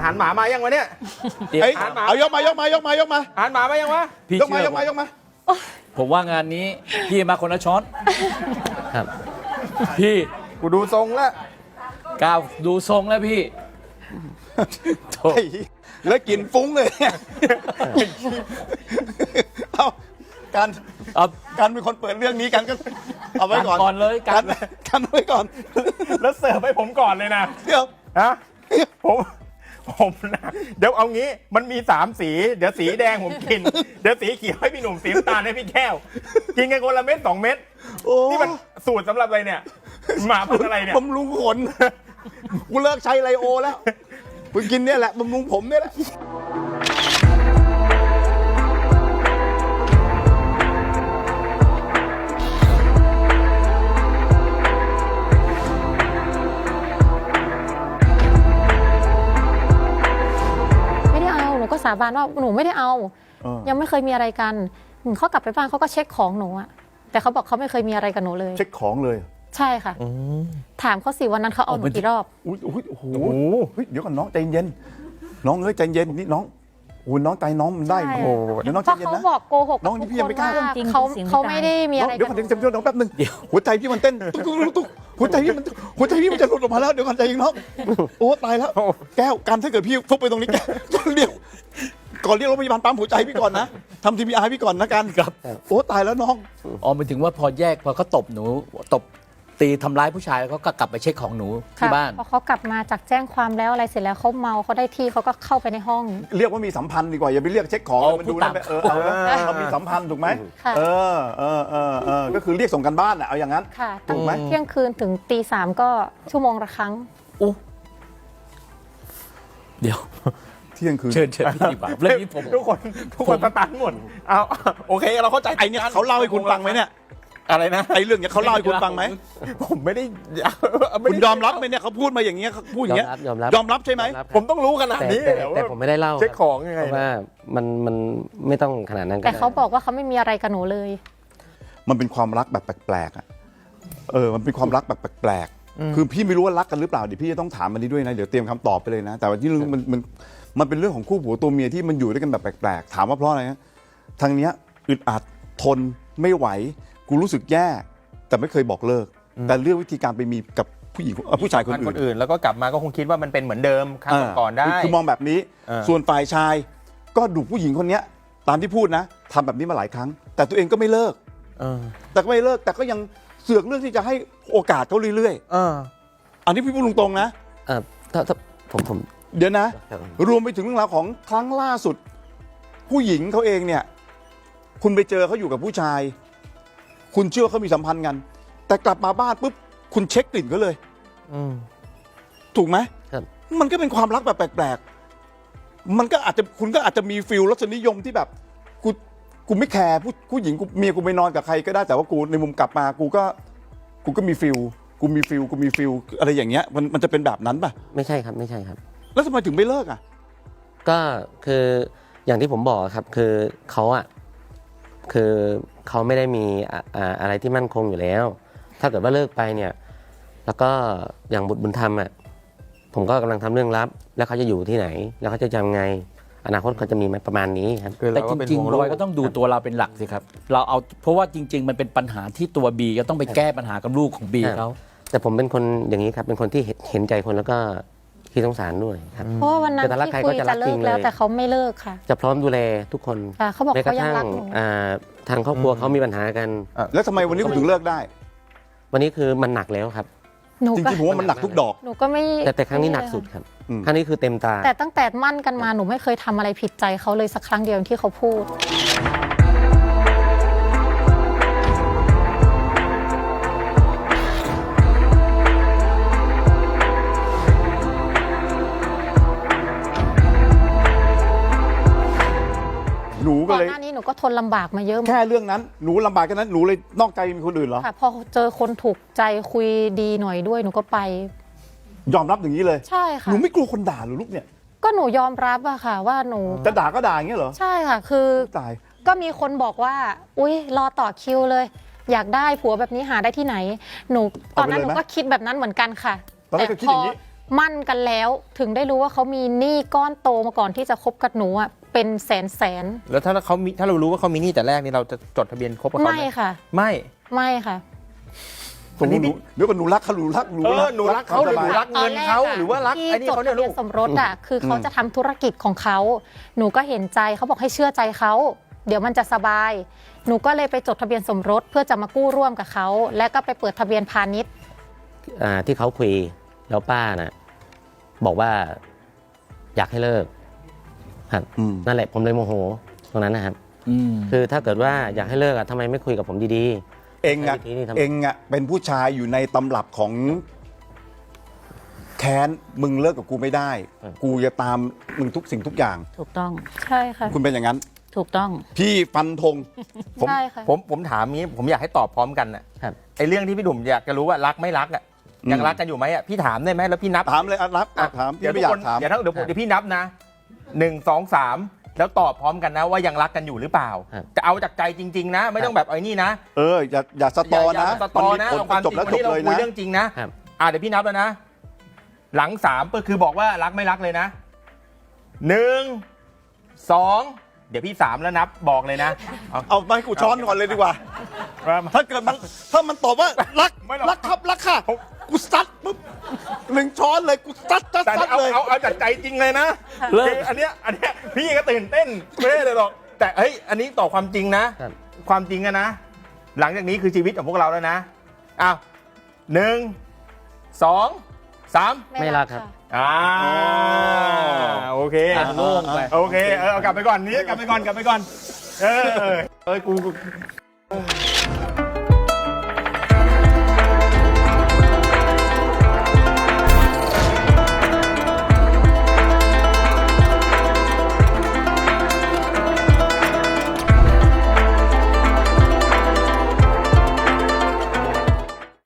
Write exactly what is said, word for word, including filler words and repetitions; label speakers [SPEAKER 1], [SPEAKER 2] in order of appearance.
[SPEAKER 1] หารหมามายังวะเนี่ย
[SPEAKER 2] เอ้ยเอายกมายกมายกมายกมา
[SPEAKER 1] อาหารหมามายังวะ
[SPEAKER 2] ยกมายกมายกมา
[SPEAKER 3] ผมว่างานนี้พี่มาคนละช้อน
[SPEAKER 4] ครับ
[SPEAKER 3] พี่
[SPEAKER 1] กูดูทรงแล้ว
[SPEAKER 3] ก้าวดูทรงแล้วพี่โถ่
[SPEAKER 2] ไอ้แล้วกินฟุ้งเลยเนี่ยเอาการ
[SPEAKER 3] เอา
[SPEAKER 2] การเป็นคนเปิดเรื่องนี้กันก็เอาไว้ก่อน
[SPEAKER 3] ก่อนเลยกั
[SPEAKER 2] กัน นกันไว้ก่อน
[SPEAKER 1] แล้วเสิร์ฟให้ผมก่อนเลยนะ
[SPEAKER 2] เดี๋ยว
[SPEAKER 1] ฮะผมผมนะเดี๋ยวเอางี้มันมีสามสี เดี๋ยวสีแดงผมกิน เดี๋ยวสีเขียวให้พี่หนุ่มสีน้ำตาลให้พี่แก้ว กินกันคนละเม็ดสองเม็ด
[SPEAKER 2] โอ้
[SPEAKER 1] นี่มันสูตรสำหรับอะไรเนี่ยหมาพันธุ์อะไรเนี่ย
[SPEAKER 2] บำรุงขนกูเลิกใช้ไลโอแล้วกูกินเนี่ยแหละบำรุงผมเนี่ยแหละ
[SPEAKER 5] ไม่ได้เอาหนูก็สาบานว่าหนูไม่ได้เอา ยังไม่เคยมีอะไรกันเขากลับไปบ้านเขาก็เช็คของหนูอะแต่เขาบอกเขาไม่เคยมีอะไรกับหนูเลย
[SPEAKER 2] เช็คของเลย
[SPEAKER 5] ใช่ค่ะถามเขาสิวันนั้นเขาเอาหนูกี่รอบ
[SPEAKER 2] อุ้ยอุ้ยโอ้โหเฮ้ยเดี๋ยวก่อนน้องใจเย็นน้องเอ้ยใจเย็นนี่น้องโอ้ยน้องใจน้องมันได้
[SPEAKER 5] ใช่
[SPEAKER 2] โอ้โหเดี๋ยวน้อง
[SPEAKER 5] เพ
[SPEAKER 2] ใจ
[SPEAKER 5] ราะ
[SPEAKER 2] เย็น
[SPEAKER 5] เขา
[SPEAKER 2] นะ
[SPEAKER 5] บอกโกหก
[SPEAKER 2] น้องนี่พี่ยังไม่กล้า
[SPEAKER 5] ว่าเขาเขาไม่ได้มีอะไร
[SPEAKER 2] เดี๋ยว
[SPEAKER 5] กั
[SPEAKER 2] ก่อน
[SPEAKER 5] บ
[SPEAKER 2] เดี๋ยวเดี๋ยวน้องแป๊บนึงหัวใจพี่มันเต้นตุ๊กตุ๊กตุ๊กหัวใจพี่มันหัวใจพี่มันจะหลุดออกมาแล้วเดี๋ยวก่อนใจเย็นน้องโอ้ตายแล้วแก้วการถ้าเกิดพี่ฟุบไปตรงนี้แก้วเดี๋ยวก่อนเรียกรถพยาบาลปั๊มหัวใจพี่ก่อนนะทำทีพีอาร์พี่ก่อนนะกันครับโอ้ตายแล้วน้อง
[SPEAKER 3] อ๋อหมายถึงว่าพอแยกพอเขาตบหนูตบตีทำร้ายผู้ชายแล้วเขาก็กลับไปเช็คของหนูที่
[SPEAKER 5] ค่ะ
[SPEAKER 3] บ้าน
[SPEAKER 5] พอเขากลับมาจากแจ้งความแล้วอะไรเสร็จแล้วเขาเมาเขาได้ที่เขาก็เข้าไปในห้อง
[SPEAKER 2] เรียกว่ามีสัมพันธ์ดีกว่าอย่าไปเรียกเช็คของ
[SPEAKER 3] เอา
[SPEAKER 2] มันดู
[SPEAKER 3] พูด
[SPEAKER 2] แล้ว
[SPEAKER 3] ตาม
[SPEAKER 2] เออเอาแล้วเรามีสัมพันธ์ถูกไหม
[SPEAKER 5] ค่ะ
[SPEAKER 2] เออเออเออเออก็คือเรียกส่งกันบ้านอะเอาอย่างนั้น
[SPEAKER 5] ค่ะ
[SPEAKER 2] ถู
[SPEAKER 5] ตั้ง
[SPEAKER 2] กไหม
[SPEAKER 5] เที่ยงคืนถึงตีสามก็ชั่วโมงละครั้ง
[SPEAKER 3] อู้เดี๋ยว
[SPEAKER 2] เที่ยงคืน
[SPEAKER 3] เชิญเชิญพี่ดีกว่าเรื่องนี้ผม
[SPEAKER 1] ทุกคนทุกคนสตันหมดเอาโอเคเราเข้าใจ
[SPEAKER 2] ไอเนี่ยเขาเล่าให้คุณฟังไหมเนี่ย
[SPEAKER 1] อะไรนะ
[SPEAKER 2] ไอเรื่องเนี้ยเขาเล่าให้คุณฟังไหม
[SPEAKER 1] ผมไม่ได้
[SPEAKER 2] คุณยอมรับไหมเนี่ยเขาพูดมาอย่างเงี้ยเขาพูดอย่างเงี้ย
[SPEAKER 4] ยอมรับ
[SPEAKER 2] ยอมรับใช่ไหม
[SPEAKER 4] ยอรับ
[SPEAKER 1] ผมต้องรู้ขนาด
[SPEAKER 4] แต่
[SPEAKER 1] นี้
[SPEAKER 4] แต่
[SPEAKER 1] เหรอ
[SPEAKER 4] แต่ผมไม่ได้เล่า
[SPEAKER 1] เช็คของยังไง
[SPEAKER 4] เพราะว่ามันมันไม่ต้องขนาดนั้นก็
[SPEAKER 5] แต่
[SPEAKER 4] ได้
[SPEAKER 5] เขาบอกว่าเขาไม่มีอะไรกับหนูเลย
[SPEAKER 2] มันเป็นความรักแบบแปลกๆอ่ะเออมันเป็นความรักแบบแปลกๆคือพี่ไม่รู้ว่ารักกันหรือเปล่าเดี๋ยวพี่จะต้องถามมันนี้ด้วยนะเดี๋ยวเตรียมคำตอบไปเลยนะ แต่ว่าที่มันมันมันเป็นเรื่องของคู่ผัวตัวเมียที่มันอยู่ด้วยกันแบบแปลกๆถามว่าเพราะอะไรนะทางเนี้ยอึดอัดทนไม่ไหวกูรู้สึกแย่แต่ไม่เคยบอกเลิก แต่เลือกวิธีการไปมีกับผู้หญิงเอ่อผู้ชายคน
[SPEAKER 1] คน
[SPEAKER 2] อื่น
[SPEAKER 1] อื่นแล้วก็กลับมาก็คงคิดว่ามันเป็นเหมือนเดิมครั้งก่อนๆได้
[SPEAKER 2] คือคือมองแบบนี้
[SPEAKER 1] เออ
[SPEAKER 2] ส่วนฝ่ายชายก็ดูผู้หญิงคนเนี้ยตามที่พูดนะทำแบบนี้มาหลายครั้ง แต่ตัวเองก็ไม่เลิก
[SPEAKER 1] เออ
[SPEAKER 2] แต่ก็ไม่เลิกแต่ก็ยังเสือกเรื่องที่จะให้โอกาสเขาเรื่อย
[SPEAKER 1] เออ
[SPEAKER 2] ๆอันนี้พี่พูดตรงๆนะ
[SPEAKER 4] เอ่อถ้าถ้าผมผม
[SPEAKER 2] เดี๋ยวนะ
[SPEAKER 4] ครับ
[SPEAKER 2] รวมไปถึงเรื่องราวของครั้งล่าสุด ผู้หญิงเขาเองเนี่ย คุณไปเจอเขาอยู่กับผู้ชาย คุณเชื่อว่าเขามีสัมพันธ์กัน แต่กลับมาบ้านปุ๊บคุณเช็คกลิ่นเขาเลย
[SPEAKER 4] อืม
[SPEAKER 2] ถูกไหม
[SPEAKER 4] ครับ
[SPEAKER 2] มันก็เป็นความรักแบบแปลกๆ มันก็อาจจะคุณก็อาจจะมีฟิลรสนิยมที่แบบกูกูไม่แคร์ผู้ผู้หญิงกูเมียกูไปนอนกับใครก็ได้แต่ว่ากูในมุมกลับมากูก็กูก็มีฟิลกูมีฟิลกูมีฟิลอะไรอย่างเงี้ยมันมันจะเป็นแบบนั้นป่ะ
[SPEAKER 4] ไม่ใช่ครับไม่ใช่ครับ
[SPEAKER 2] แล้วทำไมถึงไม่เลิกอ่ะ
[SPEAKER 4] ก็คืออย่างที่ผมบอกครับคือเขาอะคือเขาไม่ได้มีอะอ่าอะไรที่มั่นคงอยู่แล้ว ถ้าเกิดว่าเลิกไปเนี่ย แล้วก็อย่างบุตรบุญธรรมอะผมก็กำลังทำเรื่องลับ แล้วเขาจะอยู่ที่ไหน แล้วเขาจะจำไง อนาคตเขาจะมีไหมประมาณนี้ครับ
[SPEAKER 1] คือ
[SPEAKER 3] แต่
[SPEAKER 1] เรา
[SPEAKER 3] จ
[SPEAKER 1] ก็เป็น
[SPEAKER 3] ริง
[SPEAKER 1] ห่ว
[SPEAKER 3] ๆ
[SPEAKER 1] ลู
[SPEAKER 3] รอยก็ต้องดูตัวเราเป็นหลักสิครับ เราเอาเพราะว่าจริง ๆ มันเป็นปัญหาที่ตัวบีก็ต้องไปแก้ปัญหากับลูกของบีเขา
[SPEAKER 4] แต่ผมเป็นคนอย่างนี้ครับ เป็นคนที่เห็นเห็นใจคนแล้วก็ขี้สงสารด้วยครับ
[SPEAKER 5] เพราะว่าวันนั้น
[SPEAKER 4] แต่ถ้ารัก
[SPEAKER 5] ที่
[SPEAKER 4] ใคร
[SPEAKER 5] คุ
[SPEAKER 4] ก็
[SPEAKER 5] ย
[SPEAKER 4] จะรั
[SPEAKER 5] จะ
[SPEAKER 4] ก
[SPEAKER 5] เลิ
[SPEAKER 4] จริ
[SPEAKER 5] ก
[SPEAKER 4] ง
[SPEAKER 5] แล้ว
[SPEAKER 4] เลย
[SPEAKER 5] แต่เขาไม่เลิกค่ะ
[SPEAKER 4] จะพร้อมดูแลทุกคน
[SPEAKER 5] ค่ะเขาบอก
[SPEAKER 4] แม้กระ
[SPEAKER 5] เขายัง
[SPEAKER 4] ทั่ง
[SPEAKER 5] รักหนู
[SPEAKER 4] อ่าทางครอบครัวเขามีปัญหากัน
[SPEAKER 2] แล้วทำไมวันนี้คุณถึงเลิกได้
[SPEAKER 4] วันนี้คือมันหนักแล้วครับ
[SPEAKER 5] หนู
[SPEAKER 2] จ
[SPEAKER 5] ก็
[SPEAKER 2] ริงๆผมว่ามันหนักทุกดอก
[SPEAKER 5] หนูก็ไม่
[SPEAKER 4] แต่แต่ครั้งนี้หนักสุดครับ
[SPEAKER 2] อืม
[SPEAKER 4] ครั้งนี้คือเต็มตา
[SPEAKER 5] แต่ตั้งแต่มั่นกันมาหนูไม่เคยทำอะไรผิดใจเขาเลยสักครั้งเดียวที่เขาพูด
[SPEAKER 2] หนูก็
[SPEAKER 5] ก่อน
[SPEAKER 2] เลย
[SPEAKER 5] หน้านี้หนูก็ทนลำบากมาเยอะ
[SPEAKER 2] แค่เรื่องนั้นหนูลำบากแค่นั้นหนูเลยนอกใจมีคนอื่นเหรอ
[SPEAKER 5] ค่ะพอเจอคนถูกใจคุยดีหน่อยด้วยหนูก็ไป
[SPEAKER 2] ยอมรับอย่างนี้เลย
[SPEAKER 5] ใช่
[SPEAKER 2] ห
[SPEAKER 5] ค่ะ
[SPEAKER 2] นูไม่กลัวคนด่าหรือลูกเนี่ย
[SPEAKER 5] ก็หนูยอมรับอะค่ะ ว่าหนู
[SPEAKER 2] จะด่าก็ด่าอย่างเงี้ยเหรอ
[SPEAKER 5] ใช่ค่ะ คือ
[SPEAKER 2] ตาย
[SPEAKER 5] ก็มีคนบอกว่า อุ๊ย รอต่อคิวเลย อยากได้ผัวแบบนี้หาได้ที่ไหน หนูตอนนั้นหนูก็คิดแบบนั้นเหมือนกันค่ะ
[SPEAKER 2] ตอนแรกก็คิดอย่างนี้
[SPEAKER 5] พมั่นกันแล้วถึงได้รู้ว่าเขามีหนี้ก้อนโตมาก่อนที่จะคบกับหนูอ่ะเป็นแสนแสน
[SPEAKER 1] แล้วถ้าเขามีถ้าเรารู้ว่าเขามีหนี้แต่แรกนี่เราจะจดทะเบียนคบกับเขา
[SPEAKER 5] ไม่
[SPEAKER 1] ไหม
[SPEAKER 5] ค่ะ
[SPEAKER 1] ไม่
[SPEAKER 5] ไม่ค่ะ
[SPEAKER 2] ตรงนี้หนูเดี๋ยวก่อนหนูรักเขาหนูรักหนู
[SPEAKER 1] เออหนูรักเขาหรือหนูรักเงินเขาหรือว่ารัก
[SPEAKER 5] ที่
[SPEAKER 1] ไอ้นี่
[SPEAKER 5] จด
[SPEAKER 1] เขาเนี่ย
[SPEAKER 5] ทะเบี
[SPEAKER 1] ลู
[SPEAKER 5] ยน
[SPEAKER 1] ก
[SPEAKER 5] สมรสอ่ะคือเขาจะทำธุรกิจของเขาหนูก็เห็นใจเขาบอกให้เชื่อใจเขาเดี๋ยวมันจะสบาย หนูก็เลยไปจดทะเบียนสมรสเพื่อจะมากู้ร่วมกับเขาและก็ไปเปิดทะเบียนพาณิชย์
[SPEAKER 4] อ่าที่เขาคุยแล้วป้าน่ะบอกว่าอยากให้เลิกครับ
[SPEAKER 2] อืม
[SPEAKER 4] นั่นแหละผมเลยโมโหตรงนั้นนะครับ
[SPEAKER 3] อืม
[SPEAKER 4] คือถ้าเกิดว่าอยากให้เลิกอะทำไมไม่คุยกับผมดี
[SPEAKER 2] เองอะ
[SPEAKER 4] วิธีนี้ทำ
[SPEAKER 2] เองอะเป็นผู้ชายอยู่ในตำรับของแค้นมึงเลิกกับกูไม่ได้ กูจะตามมึงทุกสิ่งทุกอย่าง
[SPEAKER 6] ถูกต้อง
[SPEAKER 5] ใช่ค่ะ
[SPEAKER 2] คุณเป็นอย่างนั้น
[SPEAKER 6] ถูกต้อง
[SPEAKER 2] พี่ฟันธง
[SPEAKER 1] ผม
[SPEAKER 5] ใช่ค่ะ
[SPEAKER 1] ผมผมถามนี้ผมอยากให้ตอบพร้อมกันน่ะ
[SPEAKER 4] ครับ
[SPEAKER 1] ไอ้เรื่องที่พี่หนุ่มอยากจะรู้ว่ารักไม่รักอ่ะยังรักกันอยู่ไหมอ่ะพี่ถามได้ไหมแล้วพี่นับ
[SPEAKER 2] ถามเลยอ่ะรับอ่ะถามพี่
[SPEAKER 1] เดี๋ยว
[SPEAKER 2] ไม่
[SPEAKER 1] ทุ
[SPEAKER 2] อก ยา
[SPEAKER 1] ค
[SPEAKER 2] ก
[SPEAKER 1] น
[SPEAKER 2] ถาม
[SPEAKER 1] เดี๋ยวถ้าเดี๋ยวผมเดี๋ยวพี่นับนะหนึ่งสองสามแล้วตอบพร้อมกันนะว่ายังรักกันอยู่หรือเปล่า
[SPEAKER 4] ครับ
[SPEAKER 1] จะเอาจากใจจริง ๆ นะ ไม่ต้องแบบไอ้นี่นะ
[SPEAKER 2] เอออย่าอย่าสตอ
[SPEAKER 1] อย่า
[SPEAKER 2] นะ
[SPEAKER 1] อย่าสตอนะ
[SPEAKER 2] มัน
[SPEAKER 1] เอาความ
[SPEAKER 2] จ
[SPEAKER 1] จ
[SPEAKER 2] บ
[SPEAKER 1] ริง
[SPEAKER 2] แล้ว
[SPEAKER 1] วัน
[SPEAKER 2] จบ
[SPEAKER 1] นี้เรา
[SPEAKER 2] เลย
[SPEAKER 1] คุย
[SPEAKER 2] นะ
[SPEAKER 1] เรื่องจริงนะครับ อ่าเดี๋ยวพี่นับแล้วนะ หลังสามก็คือบอกว่ารักไม่รักเลยนะหนึ่งสองเดี๋ยวพี่สามแล้วนับบอกเลยนะเอา
[SPEAKER 2] เอามาให้กูช้อนก่อนเลยดีกว่า
[SPEAKER 1] มา
[SPEAKER 2] ถ้าเกิดมันถ้ามันตอบว่ารัก
[SPEAKER 1] ไม่หรอก
[SPEAKER 2] รักครับรักค่ะกูซัดปุ๊บหนึ่งช้อนเลยกูซัดซัด
[SPEAKER 1] แต่
[SPEAKER 2] ซัด
[SPEAKER 1] เอา
[SPEAKER 2] เลย
[SPEAKER 1] เอาเอาจากใจจริงเลยนะ
[SPEAKER 3] เลิก
[SPEAKER 1] คืออันเนี้ยอันเนี้ยพี่ก็ตื่นเต้นไม่ได้เลยหรอกแต่เฮ้ยอันนี้ตอบความจริงนะ
[SPEAKER 4] ครับ
[SPEAKER 1] ความจริงอะนะ หลังจากนี้คือชีวิตของพวกเราแล้วนะอ้าวหนึ่งสองสาม
[SPEAKER 4] ไม่รักครับ
[SPEAKER 1] อ่าโอเค
[SPEAKER 3] อ่ะโล่งไป
[SPEAKER 1] โอเคเออเอากลับไปก่อนนี้กลับไปก่อนกลับไปก่อน เออเออกู